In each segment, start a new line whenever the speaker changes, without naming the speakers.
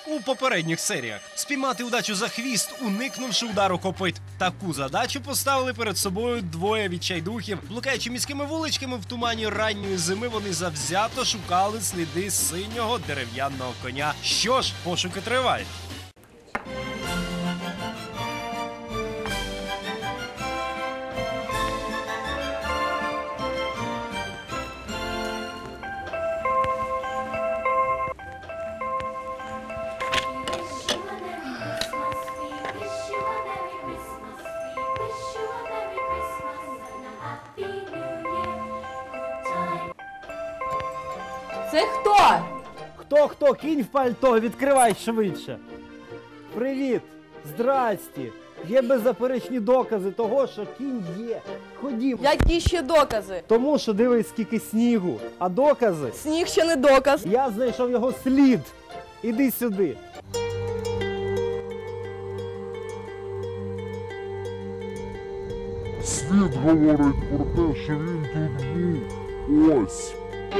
у попередніх серіях. Спіймати удачу за хвіст, уникнувши удару копит. Таку задачу поставили перед собою двоє відчайдухів. Блукаючи міськими вуличками в тумані ранньої зими, вони завзято шукали сліди синього дерев'яного коня. Що ж, пошуки тривають.
Це хто?
Хто? Кінь в пальто, відкривай швидше. Привіт, здрасті. Є беззаперечні докази того, що кінь є. Ходімо.
Які ще докази?
Тому що дивись, скільки снігу. А докази?
Сніг ще не доказ.
Я знайшов його слід. Іди сюди.
Слід говорить про те, що він тут був. Ось.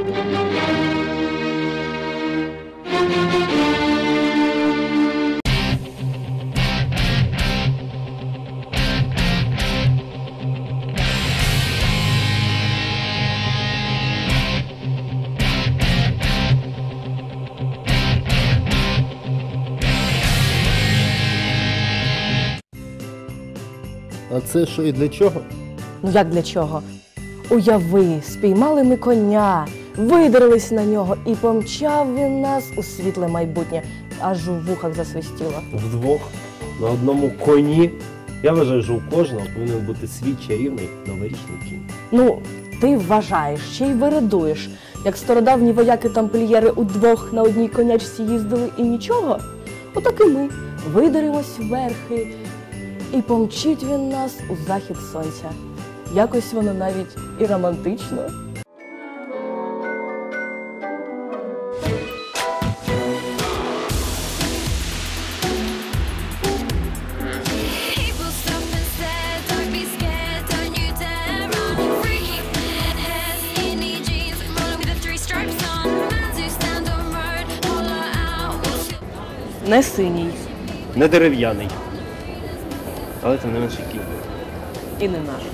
А це що і для чого?
Ну як для чого? Уяви, спіймали ми коня, видерлись на нього і помчав він нас у світле майбутнє. Аж у вухах засвистіло.
Вдвох, на одному коні. Я вважаю, що у кожного повинен бути свій чарівний новорічний кінь.
Ну, ти вважаєш, ще й вирадуєш. Як стародавні вояки-тамплієри удвох на одній конячці їздили і нічого, отак і ми видеремось верхи, і помчить він нас у захід сонця. Якось воно навіть і романтично. Не синій.
Не дерев'яний. Але це не менше кінь.
І не наш.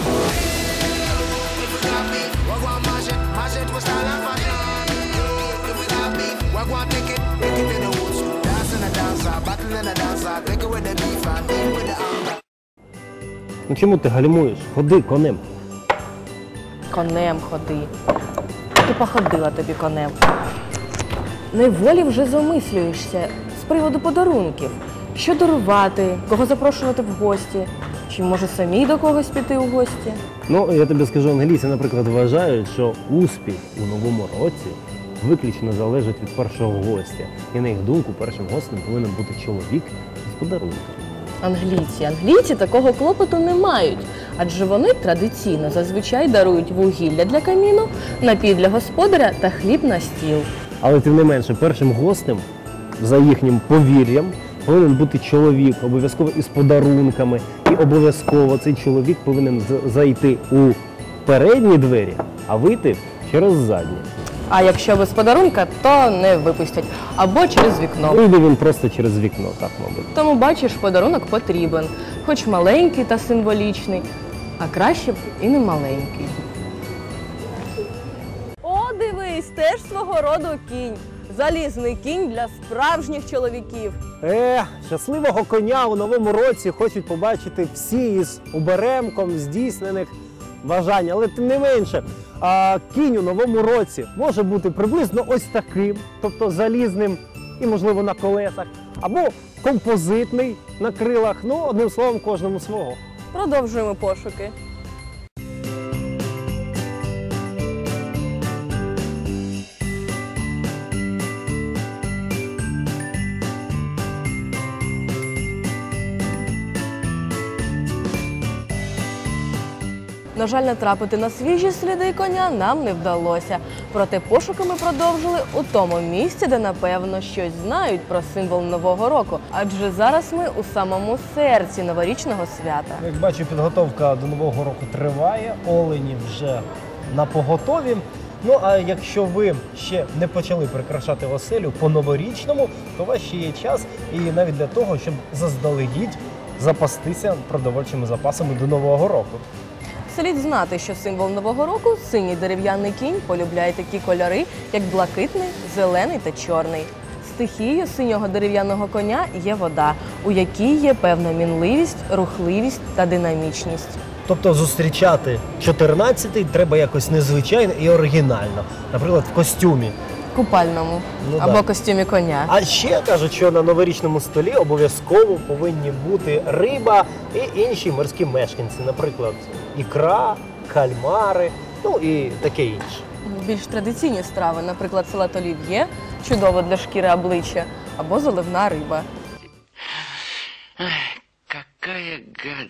Ну чому ти гальмуєш? Ходи конем.
Конем ходи. Ти походила тобі конем. Неволі вже замислюєшся з приводу подарунків. Що дарувати, кого запрошувати в гості, чи може самій до когось піти у гості?
Ну, я тобі скажу, англійці, наприклад, вважають, що успіх у новому році виключно залежить від першого гостя. І на їх думку, першим гостем повинен бути чоловік з подарунком.
Англійці такого клопоту не мають, адже вони традиційно зазвичай дарують вугілля для каміну, напій для господаря та хліб на стіл.
Але тим не менше, першим гостем, за їхнім повір'ям, повинен бути чоловік, обов'язково із подарунками. І обов'язково цей чоловік повинен зайти у передні двері, а вийти через задні.
А якщо без подарунка, то не випустять. Або через вікно.
Вийде він просто через вікно, так, мабуть.
Тому, бачиш, подарунок потрібен. Хоч маленький та символічний, а краще б і не маленький. О, дивись, теж свого роду кінь. Залізний кінь для справжніх чоловіків.
Щасливого коня у новому році хочуть побачити всі із оберемком здійснених бажань. Але тим не менше, кінь у новому році може бути приблизно ось таким, тобто залізним і, можливо, на колесах, або композитний на крилах, ну, одним словом, кожному свого.
Продовжуємо пошуки. На жаль, натрапити на свіжі сліди коня нам не вдалося. Проте пошуки ми продовжили у тому місці, де, напевно, щось знають про символ Нового року. Адже зараз ми у самому серці новорічного свята.
Як бачу, підготовка до Нового року триває, олені вже напоготові. Ну а якщо ви ще не почали прикрашати оселю по-новорічному, то у вас ще є час і навіть для того, щоб заздалегідь запастися продовольчими запасами до Нового року.
Слід знати, що символ Нового року – синій дерев'яний кінь полюбляє такі кольори, як блакитний, зелений та чорний. Стихією синього дерев'яного коня є вода, у якій є певна мінливість, рухливість та динамічність.
Тобто зустрічати 14-й треба якось незвичайно і оригінально. Наприклад, в костюмі.
Купальному
Ну,
або
да.
костюмі коня.
А ще кажуть, що на новорічному столі обов'язково повинні бути риба і інші морські мешканці. Наприклад, ікра, кальмари, ну і таке інше.
Більш традиційні страви, наприклад, салат олів'є, чудово для шкіри обличчя, або заливна риба.
Какая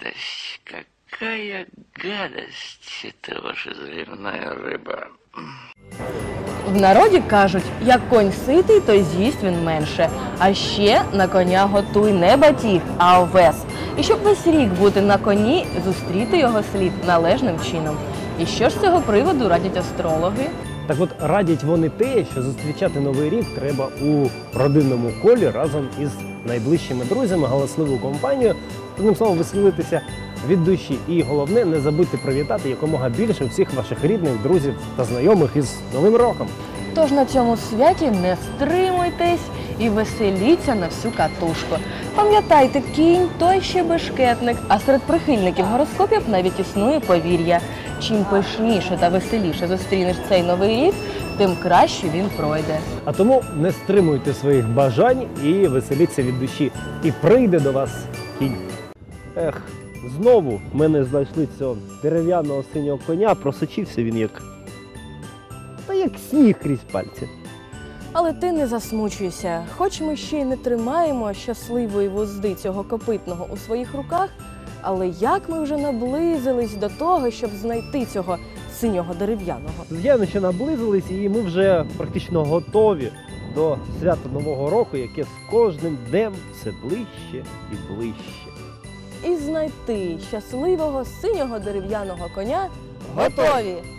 гадость, это ваша заливная рыба.
В народі кажуть, як конь ситий, то й з'їсть він менше. А ще на коня готуй не батіг, а овес. І щоб весь рік бути на коні, зустріти його слід належним чином. І що ж з цього приводу радять астрологи?
Так от радять вони те, що зустрічати Новий рік треба у родинному колі разом із найближчими друзями, галасливою компанією. Одним словом, веселитися від душі. І головне, не забудьте привітати якомога більше всіх ваших рідних, друзів та знайомих із Новим роком.
Тож на цьому святі не стримуйтесь і веселіться на всю катушку. Пам'ятайте, кінь – той ще бешкетник, а серед прихильників гороскопів навіть існує повір'я. Чим пишніше та веселіше зустрінеш цей новий рік, тим краще він пройде.
А тому не стримуйте своїх бажань і веселіться від душі. І прийде до вас кінь. Ех, знову в мене знайшли цього дерев'яного синього коня, просочився він як сніг крізь пальці.
Але ти не засмучуйся. Хоч ми ще й не тримаємо щасливої вузди цього копитного у своїх руках, але як ми вже наблизились до того, щоб знайти цього синього дерев'яного.
Звичайно, що наблизились, і ми вже практично готові до свята Нового року, яке з кожним днем все ближче і ближче.
І знайти щасливого синього дерев'яного коня готові!